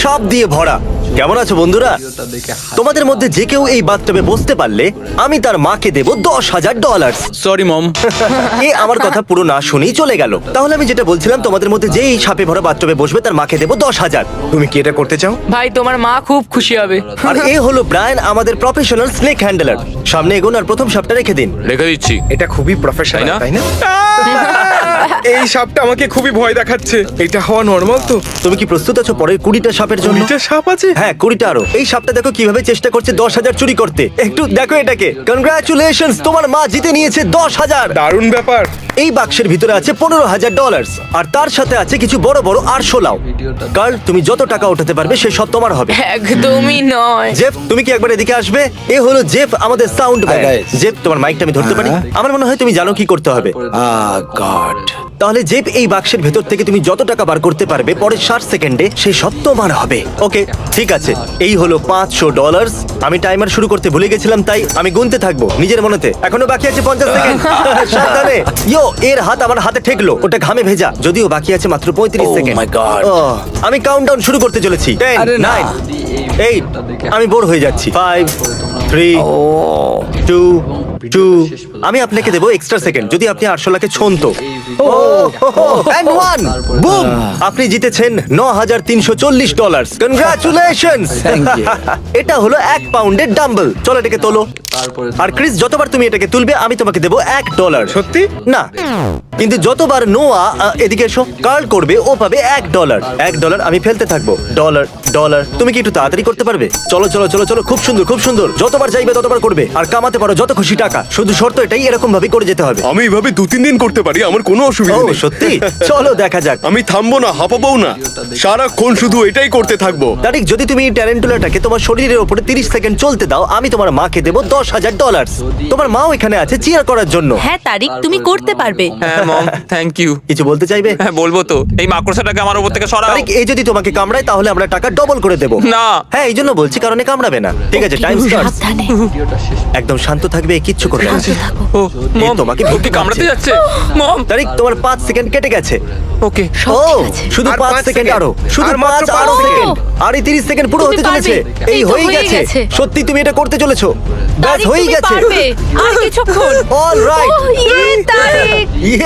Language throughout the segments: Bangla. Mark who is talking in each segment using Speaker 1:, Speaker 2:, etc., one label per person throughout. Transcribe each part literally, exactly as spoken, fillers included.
Speaker 1: সাপ দিয়ে ভরা। কেমন আছো বন্ধুরা? তোমাদের মধ্যে যে কেউ এই বাথটবে বসতে পারলে আমি তার মাকে দেব দশ হাজার ডলার।
Speaker 2: Sorry mom.
Speaker 1: এ আমার কথা পুরো না শুনেই চলে গেল। তাহলে আমি যেটা বলছিলাম, তোমাদের মধ্যে যে এই সাপে ভরা বাথটবে বসবে তার মাকে দেব দশ হাজার। তুমি কি এটা করতে চাও?
Speaker 3: ভাই তোমার মা খুব খুশি হবে।
Speaker 1: আর এ হলো ব্রায়ান, আমাদের প্রফেশনাল স্নেক হ্যান্ডলার। সামনে এগোন আর প্রথম সাপটা রেখে দিন।
Speaker 2: রেখে দিচ্ছি।
Speaker 4: এটা খুবই প্রফেশনাল,
Speaker 2: তাই
Speaker 4: তাই না? এই সাপটা আমাকে খুবই ভয় দেখাচ্ছে। এটা হওয়া নরমাল তো?
Speaker 1: তুমি কি প্রস্তুত আছো পরের কুড়িটা সাপের জন্য?
Speaker 4: এটা সাপ আছে?
Speaker 1: হ্যাঁ, কুড়িটা আরো। এই সাপটা দেখো কিভাবে চেষ্টা করছে দশ হাজার চুরি করতে। একটু দেখো এটাকে। কনগ্রাচুলেশনস, তোমার মা জিতে নিয়েছে দশ হাজার।
Speaker 4: দারুণ ব্যাপার।
Speaker 1: এই বাক্সের ভিতরে আছে পনেরো হাজার ডলার, আর তার সাথে আছে কিছু বড় বড় আরশোলাও। কার্ল, তুমি যত টাকা উঠাতে পারবে সে সব তোমার হবে।
Speaker 3: একদমই নয়।
Speaker 1: জেফ, তুমি কি একবার এদিকে আসবে? এ হলো জেফ, আমাদের সাউন্ড ম্যান।
Speaker 5: guys.
Speaker 1: জেফ, তোমার মাইকটা আমি ধরতে পারি? আমার মনে হয় তুমি জানো কি করতে হবে।
Speaker 5: আহ গড
Speaker 1: তাহলে জেফ, এই বাক্সের ভেতর থেকে তুমি যত টাকা বার করতে পারবে পরের ষাট সেকেন্ডে সেই সব তোমার হবে। ওকে, ঠিক আছে। এই হলো পাঁচশো ডলার। আমি টাইমার শুরু করতে ভুলে গেছিলাম, তাই আমি গুনতে থাকবো নিজের মনেতে। এখনো বাকি আছে পঞ্চাশ সেকেন্ড। সাবধানে। ইয়ো, এর হাত আমার হাতে ঠেকলো, ওটা ঘামে ভেজা। যদিও বাকি আছে মাত্র পঁয়ত্রিশ
Speaker 5: Oh
Speaker 1: সেকেন্ড।
Speaker 5: my God.
Speaker 1: আমি কাউন্টডাউন শুরু করতে চলেছি। টেন,
Speaker 5: আরে না।
Speaker 1: Nine, eight. আমি বোর হয়ে যাচ্ছি। Five, three, two, two. আমি আপনাকে দেবো এক্সট্রা সেকেন্ড যদি আপনি আটশো লাখে ছন্ত। বুম! আপনি জিতেছেন ন হাজার তিনশো চল্লিশ ডলার। কনগ্রাচুলেশনস!
Speaker 5: Thank you.
Speaker 1: এটা হলো এক পাউন্ডের ডাম্বল। চলো এটাকে তোলো। আর ক্রিস, যতবার তুমি এটাকে তুলবে আমি তোমাকে দেবো এক ডলার।
Speaker 4: সত্যি?
Speaker 1: না, কিন্তু যতবার নোয়া আহ, এদিকে এসো, কার্ল করবে ও পাবে এক ডলার। এক ডলার আমি ফেলতে থাকবো। Dollar, dollar. তুমি কি একটু তাড়াতাড়ি করতে পারবে? চলো চলো চলো চলো, খুব সুন্দর খুব সুন্দর। যতবার চাইবে ততবার করবে আর কামাতে পারো যত খুশি টাকা। শুধু শর্ত এটাই, এরকম ভাবে করে যেতে হবে।
Speaker 4: আমি এইভাবে দু তিন দিন করতে পারি, আমার কোনো
Speaker 1: ও
Speaker 4: অসুবিধা নেই।
Speaker 1: সত্যি? চলো দেখা যাক।
Speaker 4: আমি থামবো না, হাঁপাবো না, সারাক্ষণ শুধু এটাই করতে থাকবো।
Speaker 1: তারিক, যদি তুমি এই ট্যারেন্টুলাটাকে তোমার শরীরের উপরে তিরিশ সেকেন্ড চলতে দাও, আমি তোমার মাকে দেবো দশ হাজার ডলার। তোমার মাও এখানে আছে চিয়ার করার জন্য।
Speaker 6: হ্যাঁ তারিক, তুমি করতে পারবে।
Speaker 2: হ্যাঁ মম, থ্যাংক ইউ।
Speaker 1: কিছু বলতে চাইবে?
Speaker 2: হ্যাঁ বলবো তো। এই মাকড়সাটাকে আমার উপর থেকে সরাও।
Speaker 1: তারিক, এই যদি তোমাকে কামড়ায় তাহলে আমরা টাকা ডবল করে দেবো।
Speaker 2: না।
Speaker 1: হ্যাঁ, এই জন্য বলছি, কারণে কামড়াবে না। ঠিক আছে, টাইম স্টার্ট।
Speaker 6: সাবধানে।
Speaker 1: একদম শান্ত থাকবে, কিচ্ছু করবে না।
Speaker 6: শান্ত থাকো।
Speaker 2: ও
Speaker 1: এই
Speaker 2: মম,
Speaker 1: তোমাকে
Speaker 2: ও
Speaker 1: ভুলতে
Speaker 2: কি কামড়াতে
Speaker 1: পারছে।
Speaker 2: যাচ্ছে? মম।
Speaker 1: তারিক, তোমার পাঁচ সেকেন্ড কেটে গেছে।
Speaker 2: ওকে।
Speaker 6: সব
Speaker 1: ও,
Speaker 6: ঠিক আছে।
Speaker 1: শুধু
Speaker 4: আর
Speaker 1: পাঁচ
Speaker 4: পাঁচ
Speaker 1: সেকেন্ড
Speaker 4: সেকেন্ড।
Speaker 1: আরো, শুধু
Speaker 4: আর মাত্র
Speaker 1: পাঁচ
Speaker 4: পাঁচ
Speaker 1: আরো
Speaker 4: সেকেন্ড।
Speaker 1: সেকেন্ড। আর এই তিরিশ সেকেন্ড পুরো
Speaker 6: তুমি
Speaker 1: হতে চলেছে।
Speaker 6: পারবে।
Speaker 1: এই
Speaker 6: এই তো
Speaker 1: হয়ে
Speaker 6: হয়ে
Speaker 1: গেছে।
Speaker 6: গেছে।
Speaker 1: সত্যি তুমি এটা করতে চলেছো। ব্যাস
Speaker 6: তারিক,
Speaker 1: হয়ে
Speaker 6: তুমি
Speaker 1: গেছে।
Speaker 6: পারবে। আর কিছুক্ষণ।
Speaker 1: All right.
Speaker 6: ও, ইয়ে, তারিক,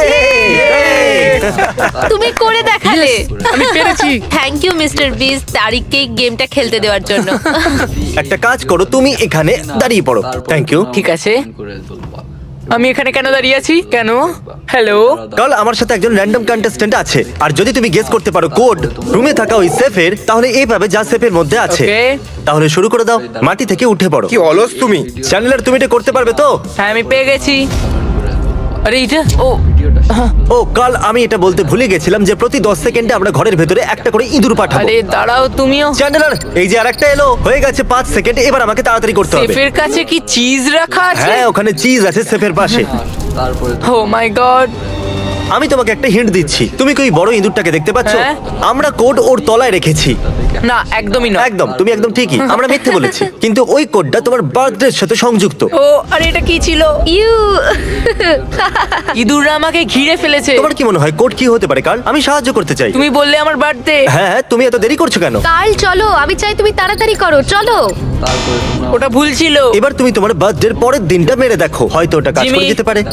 Speaker 6: তুমি করে দেখালে।
Speaker 3: আমি পেরেছি।
Speaker 6: থ্যাংক ইউ মিস্টার বিস তারিককে এই গেমটা খেলতে দেওয়ার জন্য।
Speaker 1: একটা কাজ করো, তুমি এখানে দাঁড়িয়ে পড়ো। Thank you.
Speaker 3: ঠিক আছে। আমি এখানে কেন দাঁড়িয়ে আছি? কেন? হ্যালো।
Speaker 1: কাল আমার সাথে একজন র্যান্ডম কন্টেস্ট্যান্ট আছে, আর যদি তুমি গেস করতে পারো কোড রুমে থাকা ওই সেফের, তাহলে এই পাবে যা সেফের মধ্যে আছে।
Speaker 3: Okay.
Speaker 1: তাহলে শুরু করে দাও, মাটি থেকে উঠে পড়ো।
Speaker 4: কি অলস তুমি।
Speaker 1: চ্যানেলার, তুমি এটা করতে পারবে তো?
Speaker 3: হ্যাঁ আমি পেয়ে গেছি। আরে এটা ও
Speaker 1: ও কাল, আমি এটা বলতে ভুলে গেছিলাম যে প্রতি দশ সেকেন্ডে আমরা ঘরের ভেতরে একটা করে ইঁদুর পাঠাবো।
Speaker 3: আরে দাঁড়াও তুমিও।
Speaker 1: চ্যানেলার, এই যে আরেকটা এলো, হয়ে গেছে পাঁচ সেকেন্ড। এবার আমাকে তাড়াতাড়ি করতে হবে।
Speaker 3: সেফের কাছে কি চিজ রাখা আছে?
Speaker 1: হ্যাঁ, ওখানে চিজ আছে সেফের পাশে।
Speaker 3: Oh my God.
Speaker 1: আমি তোমাকে একটা হিন্ট দিচ্ছি, তুমি কি ওই বড় ইঁদুরটাকে দেখতে পাচ্ছ?
Speaker 3: হ্যাঁ।
Speaker 1: আমরা কোড ওর তলায় রেখেছি।
Speaker 3: না একদমই না।
Speaker 1: একদম, তুমি একদম ঠিকই, আমরা মিথ্যে বলেছি। কিন্তু ওই কোডটা তোমার বার্থডের সাথে সংযুক্ত।
Speaker 3: ও আরে এটা কি ছিল?
Speaker 6: ইউ
Speaker 3: ইঁদুররা আমাকে ঘিরে ফেলেছে।
Speaker 1: তোমার কি মনে হয় কোড কি হতে পারে কাল? আমি সাহায্য করতে চাই।
Speaker 3: তুমি বললে আমার বার্থডে।
Speaker 1: হ্যাঁ হ্যাঁ, তুমি এত দেরি করছো কেন?
Speaker 6: কাল চলো, আমি চাই তুমি তাড়াতাড়ি করো, চলো।
Speaker 3: ওটা ভুল ছিল।
Speaker 1: এবার তুমি তোমার বার্থডের পরের দিনটা মেরে দেখো, হয়তো ওটা কাজ করে
Speaker 3: জিমি।
Speaker 1: যেতে পারে।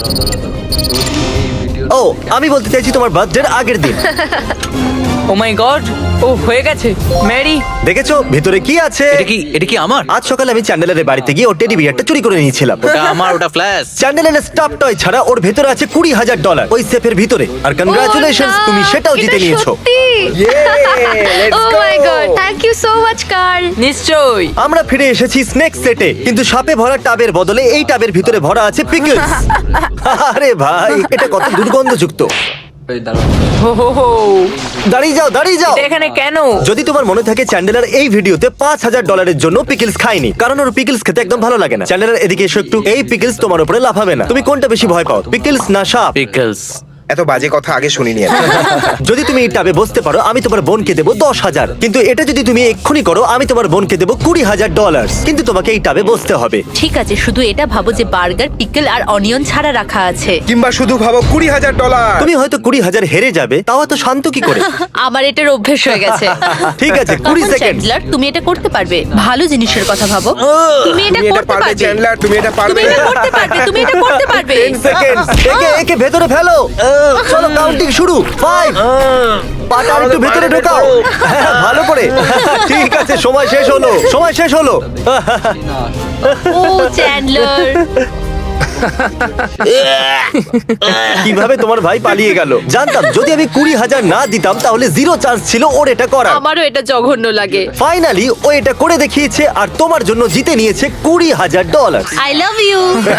Speaker 1: ও, আমি বলতে চাইছি তোমার বার্থডের আগের দিন।
Speaker 3: ও মাই গড, ও হয়ে গেছে। ম্যারি,
Speaker 1: দেখেছো ভিতরে কি আছে?
Speaker 2: এটা কি এটা কি আমার?
Speaker 1: আজ সকালে আমি চ্যান্ডেলারের বাড়িতে গিয়ে ওর টেডি বিয়ারটা চুরি করে নিয়েছিলাম।
Speaker 2: ওটা আমার, ওটা ফ্ল্যাশ।
Speaker 1: চ্যান্ডেলারের স্টাফ টয় ছাড়া ওর ভেতরে আছে কুড়ি হাজার ডলার ওই সেফের ভিতরে। আর কনগ্রাচুলেশনস,
Speaker 6: ও না,
Speaker 1: তুমি সেটাও
Speaker 6: এটা
Speaker 1: জিতে নিয়েছো।
Speaker 6: সত্যি। Oh my God, thank you so much Carl.
Speaker 3: নিশ্চয়ই।
Speaker 1: আমরা ফিরে এসেছি স্নেক সেটে, কিন্তু সাপে ভরা টাবের বদলে এই টাবের ভিতরে ভরা আছে পিকলস। আরে ভাই, এটা কত দুর্গন্ধযুক্ত।
Speaker 3: হো হো হো।
Speaker 1: দাঁড়িয়ে যাও, দাঁড়িয়ে যাও।
Speaker 3: এটা এখানে কেন?
Speaker 1: যদি তোমার মনে থাকে, চ্যান্ডেলার এই ভিডিওতে পাঁচ হাজার ডলারের জন্য পিকলস খায়নি, কারণ ওর পিকলস খেতে একদম ভালো লাগে না। চ্যান্ডেলার, এদিকে এসো একটু। এই পিকলস তোমার উপরে লাফাবে না। তুমি কোনটা বেশি ভয় পাও, পিকলস না সাপ?
Speaker 2: পিকলস।
Speaker 4: এত বাজে কথা আগে শুনিনি আমি।
Speaker 1: যদি তুমি এই টাবে বসতে পারো আমি তোমার বোনকে দেবো দশ হাজার, কিন্তু এটা যদি তুমি এক্ষুনি করো আমি তোমার বোনকে দেবো কুড়ি হাজার ডলার। কিন্তু তোমাকে এই টাবে বসতে হবে।
Speaker 5: ঠিক আছে, শুধু এটা ভাবো যে বার্গার, পিকল আর অনিয়ন ছাড়া রাখা আছে।
Speaker 4: কিংবা শুধু ভাবো কুড়ি হাজার ডলার।
Speaker 1: তুমি হয়তো কুড়ি হাজার হেরে যাবে, তাও তো শান্ত কি করে?
Speaker 5: আমার এটার অভ্যেস হয়ে গেছে।
Speaker 1: ঠিক আছে, কুড়ি
Speaker 5: তখন
Speaker 1: সেকেন্ড।
Speaker 5: চ্যান্ডলার, তুমি এটা করতে পারবে। ভালো জিনিসের কথা ভাবো। তুমি এটা
Speaker 4: তুমি এটা
Speaker 5: করতে
Speaker 4: পারবে
Speaker 5: পারবে।
Speaker 4: চ্যান্ডলার, তুমি এটা
Speaker 5: তুমি
Speaker 4: পারবে।
Speaker 5: এটা করতে পারবে। তুমি এটা করতে পারবে।
Speaker 1: Ten second. একে একে ভেতরে ফেলো। আহ, চলো কাউন্টিং শুরু। ফাইভ। পাটা একটু ভেতরে ঢোকাও। হ্যাঁ, ভালো করে। ঠিক আছে, সময় শেষ হলো। সময় শেষ হলো।
Speaker 5: ও চ্যান্ডলার,
Speaker 1: কিভাবে তোমার ভাই পালিয়ে গেল? জানতাম যদি আমি কুড়ি হাজার না দিতাম তাহলে জিরো চান্স ছিল ওর এটা করার।
Speaker 5: আমারও এটা জঘন্য লাগে।
Speaker 1: ফাইনালি ও এটা করে দেখিয়েছে আর তোমার জন্য জিতে নিয়েছে কুড়ি হাজার dollar.
Speaker 5: I love you.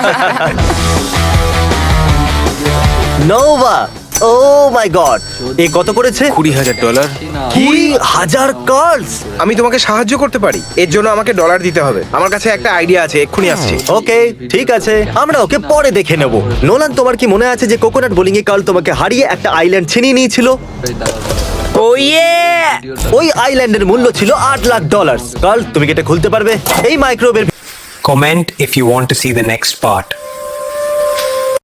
Speaker 1: Nova, oh my god, এ কত করেছে?
Speaker 4: কুড়ি হাজার ডলার।
Speaker 1: কুড়ি হাজার কার্ডস।
Speaker 4: আমি তোমাকে সাহায্য করতে পারি, এর জন্য আমাকে ডলার দিতে হবে। আমার কাছে একটা আইডিয়া আছে, এক্ষুনি আসছি।
Speaker 1: ওকে, ঠিক আছে, আমরা ওকে পরে দেখে নেব। নোলান, তোমার কি মনে আছে যে কোকোনাট বোলিং এ কাল তোমাকে হারিয়ে একটা আইল্যান্ড ছিনিয়ে নিয়েছিল?
Speaker 3: ও ইয়ে!
Speaker 1: ওই আইল্যান্ডের মূল্য ছিল আট লাখ ডলার। কাল, তুমি কি এটা খুলতে পারবে? এই মাইক্রোওয়েভের
Speaker 7: Comment if you want to see the next part.